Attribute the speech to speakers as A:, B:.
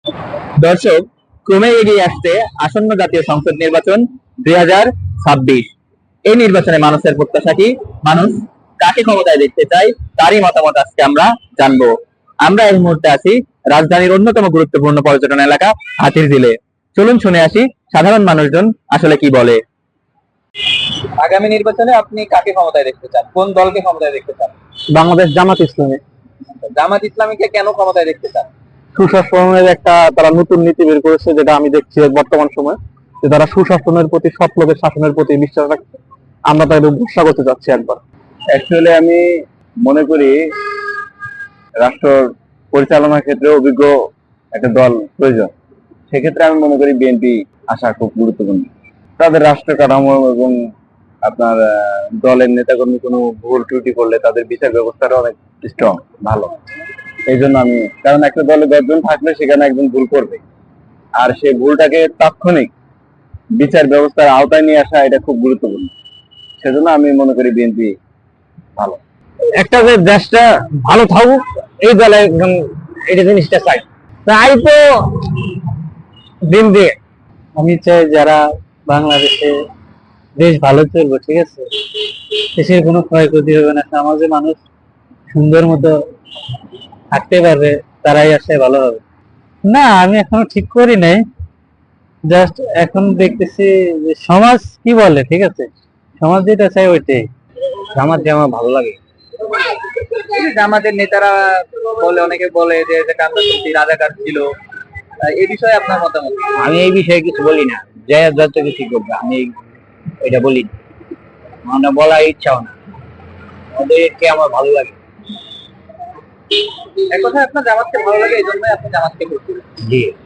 A: দর্শক, ক্রমে এগিয়ে আসছে আসন্ন জাতীয় সংসদ নির্বাচন 2026। এই নির্বাচনে মানুষের প্রত্যাশা কি? মানুষ কাকে ক্ষমতায় দেখতে চায়, তারই মতামত আজকে আমরা জানবো। আমরা এই মুহূর্তে আছি রাজধানীর অন্যতম গুরুত্বপূর্ণ পর্যটন এলাকা হাতিরঝিলে। চলুন শুনে আসি সাধারণ মানুষজন আসলে কি বলে। আগামী নির্বাচনে আপনি কাকে ক্ষমতায় দেখতে চান, কোন দলকে ক্ষমতায় দেখতে চান?
B: বাংলাদেশ জামাত ইসলামী।
A: জামাত ইসলামীকে কেন ক্ষমতায় দেখতে চান?
B: সুশাসনের একটা তারা নতুন নীতি বের করেছে, যেটা আমি দেখছি বর্তমান সময়, যে তারা সুশাসনের প্রতি, সৎ লোকের শাসনের প্রতি বিশ্বাস রাখছে। আমরা তাদের ভরসা করতে চাচ্ছি একবার।
C: অ্যাকচুয়ালি আমি মনে করি রাষ্ট্র পরিচালনার ক্ষেত্রে অভিজ্ঞ একটা দল প্রয়োজন। সেক্ষেত্রে আমি মনে করি বিএনপি আসা খুব গুরুত্বপূর্ণ। তাদের রাষ্ট্র কাঠামো এবং আপনার দলের নেতাকর্মী কোনো ভুল ত্রুটি করলে তাদের বিচার ব্যবস্থাটা অনেক স্ট্রং, ভালো। এই জন্য আমি, কারণ একটা দলে 10 জন থাকলে সেখানে একজন ভুল করবে, আর সেই ভুলটাকে তাৎক্ষণিক বিচার ব্যবস্থার আওতায় নিয়ে আসা এটা খুব গুরুত্বপূর্ণ। সেজন্য আমি মনে করি বিএনপি ভালো।
B: একটা যে দেশটা ভালো থাকুক, এই দলে একদম এটা জিনিসটা চাই। তাই তো দিন দিয়ে আমি চাই যারা বাংলাদেশে দেশ ভালো চলবে, ঠিক আছে, দেশের কোনো ক্ষয়ক্ষতি হবে না, সমাজে মানুষ সুন্দর মতো থাকতে পারবে, তারাই আসলে ভালো হবে। না, আমি এখনো ঠিক করি নাই, জাস্ট এখন দেখতেছি যে সমাজ কি বলে, ঠিক আছে, সমাজ যেটা চাই ওইটাই। জামাতে আমার ভালো লাগে।
A: জামাতের নেতারা বলে, অনেকে বলে যে এটা কান্দাসি রাজাকার ছিল। এই বিষয়ে আপনার মতামত কি?
B: আমি এই বিষয়ে কিছু বলি না, যে যত কিছু করবে আমি এটা বলি না, আমার বলার ইচ্ছাও না, ওদেরকে আমার ভালো লাগে।
A: এক কথায় আপনার জামাতকে ভালো লাগে, এই জন্যই আপনি জামাতকে ভোট দিবেন।
B: জি।